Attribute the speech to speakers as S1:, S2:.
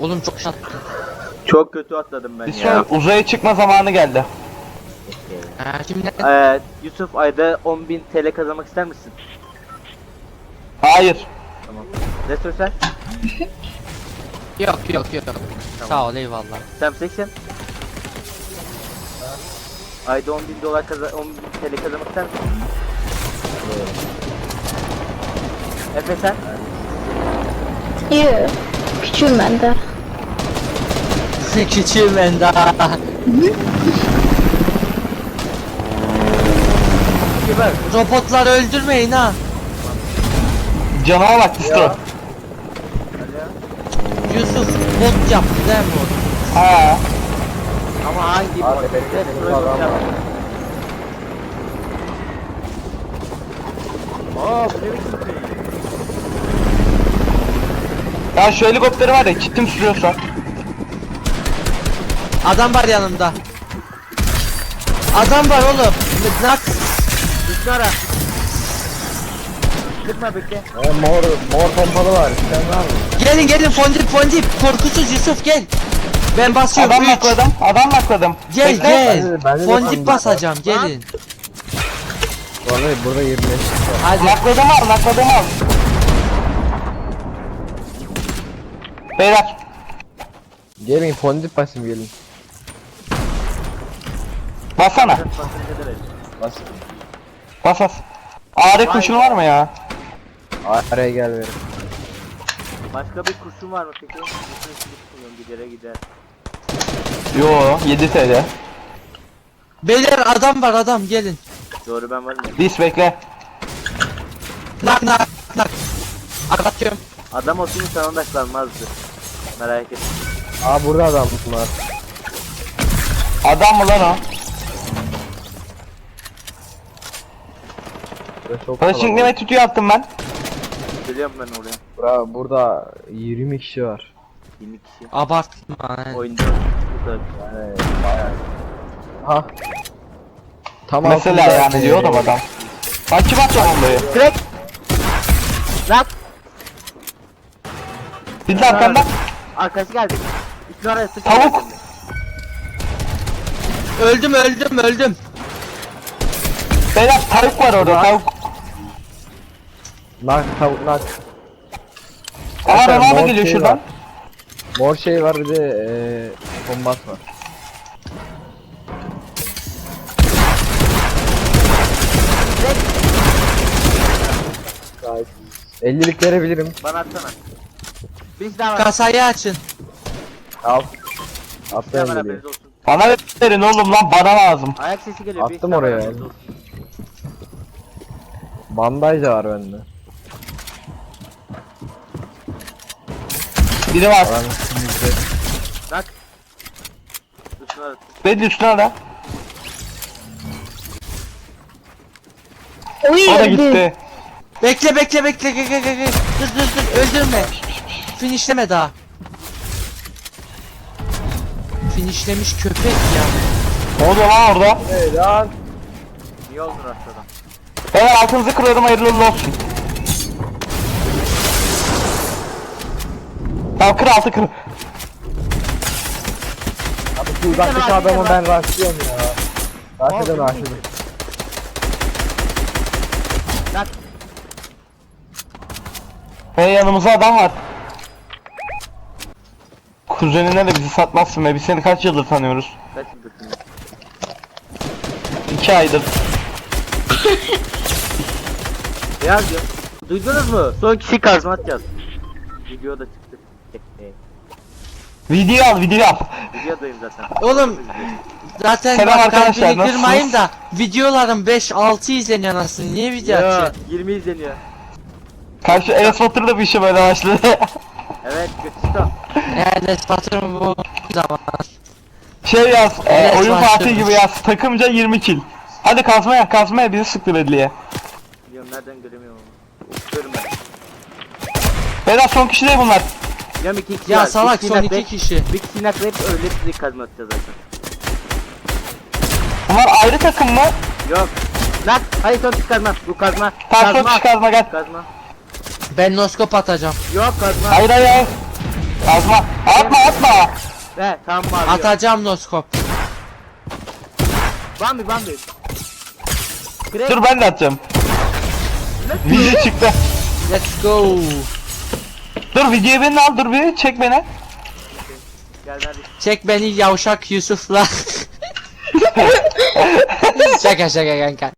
S1: Oğlum çok şat.
S2: Çok kötü atladım ben
S3: Bir
S2: ya.
S3: sonra uzaya çıkma zamanı geldi.
S1: Şimdi
S2: Yusuf ayda 10.000 TL kazanmak ister misin?
S3: Hayır.
S2: Tamam. Restore sen?
S1: yok.
S2: Tamam.
S1: Sağ ol eyvallah.
S2: Sam 80. Ayda 10.000 dolar 10.000 TL kazanmak ister misin? Efe sen?
S4: Yok. Küçüğüm ben de.
S1: Küçüğüm ben daha.
S2: Kibar.
S1: Robotları öldürmeyin ha.
S3: Canıma bak Disto.
S1: Yusuf bot yaptı değil mi o?
S3: Ha.
S2: Ama hangi bot? Aa bu ne biçim şey?
S3: Ya şu helikopteri var ya kim sürüyorsa.
S1: Adam var yanımda. Adam var oğlum. Nak.
S2: Üstü ara. Sıkma bekle.
S5: Mor pompalı var. Sen var mı?
S1: Gelin fondip. Korkusuz Yusuf gel. Ben basıyorum.
S3: Adam
S1: Üç.
S3: nakladım. Adam nakladım.
S1: Gel
S3: Bekle.
S1: gel.
S5: Ben de
S1: Fondip
S5: fondip
S1: basacağım gelin.
S5: Vallahi burada 25 var.
S1: Hadi.
S3: Nakladım al. Beyler.
S5: Gelin fondip basayım gelin.
S3: Bassana.
S5: Bas.
S3: Bas. Ağrı kurşunu var mı ya?
S5: Araya gel verin.
S2: Başka bir kurşun var mı peki? Bütün kullanıyorum gidere gider.
S3: Yo 7 TL.
S1: Beyler adam gelin.
S2: Doğru ben varım ya.
S3: Dis bekle.
S1: Nak. Atıyorum.
S2: Adam olsun sana odaklanmazdı. Merak etme.
S5: Aa burada adam var.
S3: Adam mı lan o?
S5: Burada çok
S3: Paraşütleme tütüğü attım ben.
S2: Geliyorum ben oraya.
S5: Burada 20 kişi var.
S2: 20 kişi.
S1: Abartma.
S2: Oyunda bu kadar.
S5: Yani bayağı. Ha. Tam
S3: Mesela
S5: altında-
S3: yani diyor adam. Bak kim atacak bombayı?
S2: Crack! Lan!
S3: Bir de arkandan.
S2: Arkası geldi. Üstüne araya sıçradı.
S3: Tavuk.
S1: Öldüm.
S3: Beyler tavuk var orada tavuk.
S5: Nak tavuk nak.
S3: Aa
S5: Zaten
S3: Ronaldo
S5: mor
S3: geliyor
S5: şey
S3: şuradan.
S5: var. Mor şey var bir de kombat var. Gayet. 50'lik verebilirim.
S2: Bana atsana. Bir daha var.
S1: Kasayı açın.
S5: Al.
S2: Bir
S5: Attım
S2: daha var
S5: 50'liği.
S2: haberiniz olsun.
S3: Bana verin oğlum lan bana lazım.
S2: Ayak sesi geliyor. bir
S5: Attım
S2: daha var,
S5: oraya.
S2: haberiniz olsun.
S5: Bandaj da var bende.
S3: Biri var.
S5: Aranın üstünde.
S2: Bak. Üstüne ara.
S3: Beni üstüne ara.
S4: Uy
S3: O da
S4: öldü.
S3: gitti.
S1: Bekle. Gel. Dur. Öldürme. Finishleme daha. Finishlemiş köpek ya.
S3: Ne oluyor lan orada?
S5: Hey lan.
S2: Niye oldun rastladan?
S3: Beyler altınızı kırıyorum hayırlı uğurlu olsun. Tamam kır altı kır.
S5: Abi şu uzaktaki adamı ben rastlıyorum ya. Rastladım.
S2: Bak.
S3: Hey yanımızda adam var. Kuzenine de bizi satmazsın be. Biz seni kaç yıldır tanıyoruz?
S2: Kaç yıldırsın ya?
S3: 2 aydır.
S2: Beyaz diyor. Duydunuz mu? Son kişi kazma atacağız. Videoda çıktı.
S3: Video al.
S2: Videodayım zaten.
S1: Oğlum zaten
S3: Selam
S1: bak
S3: arkadaşlar,
S1: kalbini kırmayın
S3: nasılsınız?
S1: da videolarım 5-6 izleniyor anasını. Niye video
S2: Ya
S1: atıyorsun?
S2: 20 izleniyor.
S3: Karşı Enes Batur da bir işe böyle başladı.
S2: Evet götürdüm.
S1: Yani patron bu zaman.
S3: Şey yaz,
S1: Enes
S3: oyun
S1: başladı.
S3: Fatih gibi yaz. Takımca 20 kill. Hadi kazmaya bizi sıktı belliye.
S2: Biliyorum nereden göremiyorum onu. Görüm ben.
S3: Beyler son kişi değil bunlar.
S2: Biliyorum 2 kişi
S1: Ya
S2: var.
S1: salak
S2: Bir
S1: son
S2: kişi
S1: 2 kişi.
S2: Bir kişi naklayıp öyle sizi kazma atacağız zaten.
S3: Bunlar ayrı takım mı?
S2: Yok. Nak. Hayır son kişi kazma. Bu kazma.
S3: Tamam son kişi kazma gel.
S2: Kazma.
S1: Ben noskop atacağım.
S2: Yok kazma.
S3: Hayır. Kazma. Atma.
S2: Ve tamam abi.
S1: Atacağım noskop.
S2: Bambi. Crack.
S3: Dur ben de atacağım. Video çıktı.
S1: Let's go.
S3: Dur videoyu beni al, dur bir çek beni.
S2: Gel hadi.
S1: Çek beni yavşak Yusuf'la. Şaka kanka.